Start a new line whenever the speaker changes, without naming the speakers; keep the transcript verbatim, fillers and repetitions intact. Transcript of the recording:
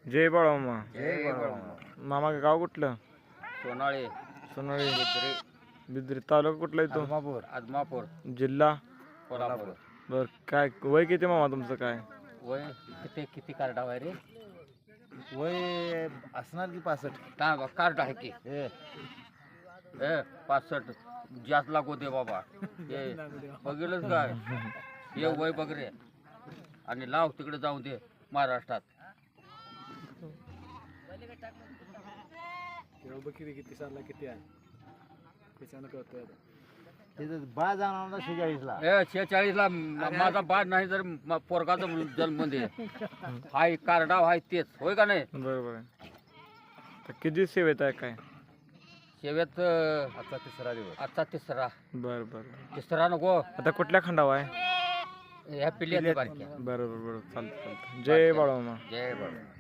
जय बाळामा.
जय बाळामा.
मामा गाव कुठलं?
सोनाळे,
सोनाळी.
बिद्री,
बिद्री. तालुका कुठला येतो?
आदमापूर, आदमापूर,
जिल्हा?
कोल्हापूर.
बर. काय वय किती मामा तुमचं काय?
वय किती किती कार्ड आहे रे?
वय असणार की पासष्ट.
काय कार्ड आहे की
हे
ए पासष्ट जास्त लागू दे बाबा. हे बघितलंच काय हे वय बघ रे आणि लाव तिकडे जाऊन दे महाराष्ट्रात.
किती सालला किती आहे त्याच्यानं कळतोय आता.
तिथं बा जाणार होता शेहेचाळीसला.
ए शेहेचाळीस ला माझा बाद नाही जर म- पोरगाचा जन्म दे. हाय कार्डाव हाय तेच होय का नाही?
बरोबर आहे. तर किती सेवेत आहे काय?
सेवेत
आजचा तिसरा दिवस.
आजचा तिसरा.
बरं बरं.
तिसरा नको
आता कुठल्या खंडावा आहे?
ह्या पिल्ली बारक्या.
बरोबर बरोबर. चालतं चालतं. जय बाळामा.
जय बाबा.